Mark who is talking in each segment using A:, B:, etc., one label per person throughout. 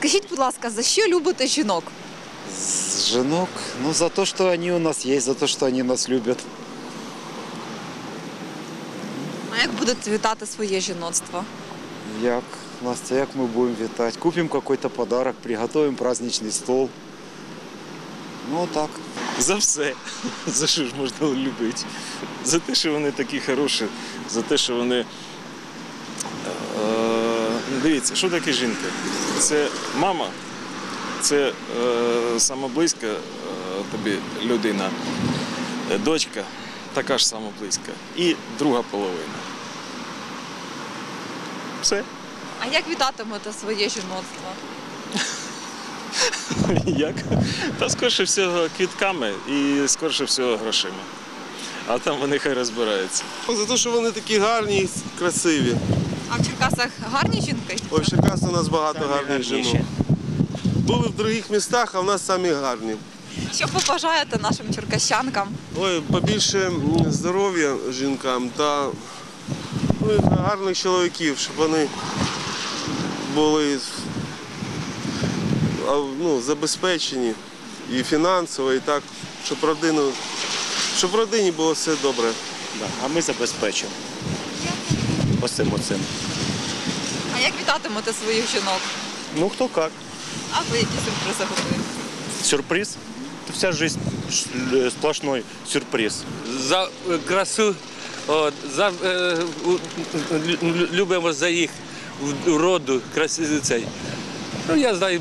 A: Скажіть, будь ласка, за що любите жінок?
B: Женок, ну за то, что они у нас есть, за то, что они нас любят.
A: А як будете вітати своє жіноцтво?
B: Як, Настя, як ми будемо вітати? Купимо какой-то подарок, приготовим праздничный стол. Ну так.
C: За все. За що ж можна любити? За те, що вони такі хороші, за те, що вони... Дивіться, що таке жінка? Це мама, це сама близька тобі людина, дочка, така ж сама близька, і друга половина. Все.
A: А як вітатимете своє жіноцтво?
C: Як? Та скорше всього квітками і скорше всього грошима. А там вони хай розбираються.
D: За те, що вони такі гарні і красиві.
A: А в Черкасах гарні жінки?
D: Ой, в Черкасах у нас багато гарних жінок. Були в інших містах, а в нас самі гарні.
A: Що побажаєте нашим черкащанкам?
D: Ой, побільше здоров'я жінкам та гарних чоловіків, щоб вони були забезпечені і фінансово, і так, щоб в родині було все добре.
E: Да, а ми забезпечимо. Ось цим.
A: А як вітатимете своїх жінок?
E: Ну, хто як.
A: А ви які сюрпризи готуєте?
E: Сюрприз. Вся жизнь сплошной сюрприз.
F: За красу, любимо за їх роду, цей. Ну, я знаю,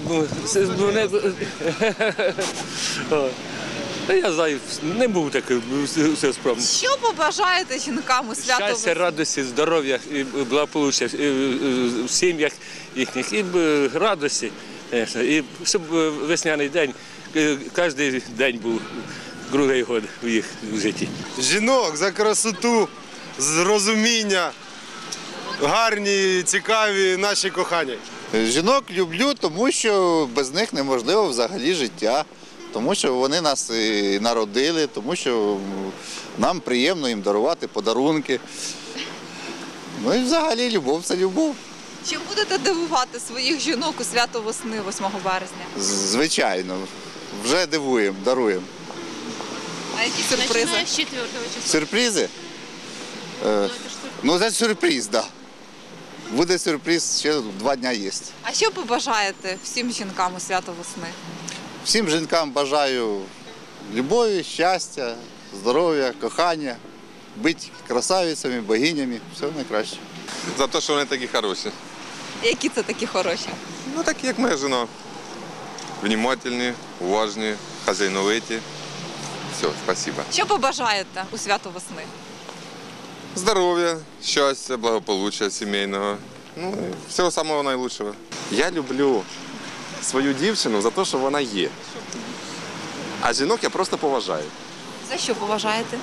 F: я знаю, не був такий все справно.
A: Що побажаєте жінкам у свято
F: Щастя,
A: весни?
F: радості, здоров'я і благополуччя в сім'ях їхніх, і радості, і щоб весняний день, кожен день був другий год в їх житті.
D: Жінок за красоту, розуміння, гарні, цікаві наші кохані.
G: Жінок люблю, тому що без них неможливо взагалі життя. Тому що вони нас і народили, тому що нам приємно їм дарувати подарунки. Ну і взагалі любов – це любов.
A: Чим будете дивувати своїх жінок у свято весни 8 березня?
G: Звичайно, вже дивуємо, даруємо.
A: А які сюрпризи?
H: Начиная с 4 числа.
G: Сюрпризи? Ну, це сюрприз, так. Да. Буде сюрприз, ще 2 дні є.
A: А що побажаєте всім жінкам у свято весни?
G: Всім жінкам бажаю любові, щастя, здоров'я, кохання, бути красавицями, богинями, всього найкраще.
I: За те, що вони такі хороші.
A: Які це такі хороші?
I: Ну, такі, як моя жена. Внімательні, уважні, хазяйновиті. Все, спасибо.
A: Що побажаєте у свято весни?
I: Здоров'я, щастя, благополуччя сімейного. Ну, і всього самого найкращого.
J: Я люблю свою дівчину за те, що вона є. А жінок я просто поважаю.
A: За що поважаєте?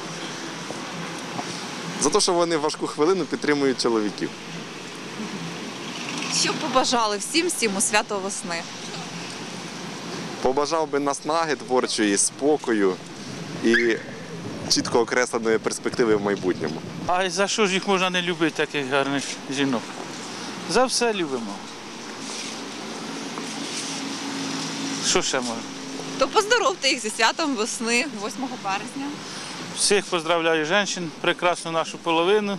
J: За те, що вони в важку хвилину підтримують чоловіків.
A: Що б побажали всім у свято весни?
J: Побажав би наснаги творчої, спокою і чітко окресленої перспективи в майбутньому.
K: А за що ж їх можна не любити, таких гарних жінок? За все любимо. Що ще можна?
A: То поздоровте їх зі святом весни 8 березня.
K: Всіх поздравляю жінок, прекрасну нашу половину.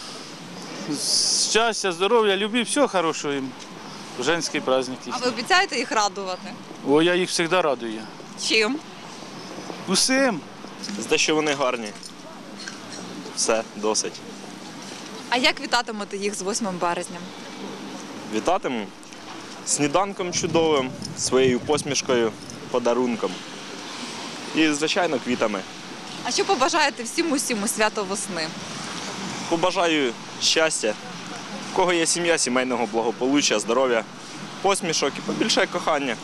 K: Щастя, здоров'я, любові, всього хорошого їм. В женський праздник.
A: А ви обіцяєте їх радувати?
K: О, я їх завжди радую.
A: Чим?
K: Усім.
C: За те, що вони гарні. Все, досить.
A: А як вітатимете їх з 8 березня?
C: Вітатиму сніданком чудовим, своєю посмішкою, подарунком. І, звичайно, квітами.
A: А що побажаєте всім у свято весни?
C: Побажаю щастя, в кого є сім'я, сімейного благополуччя, здоров'я, посмішок і побільше кохання.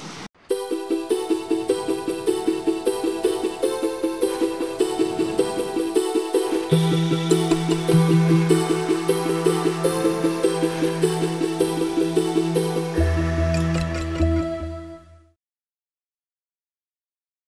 H: Thank you.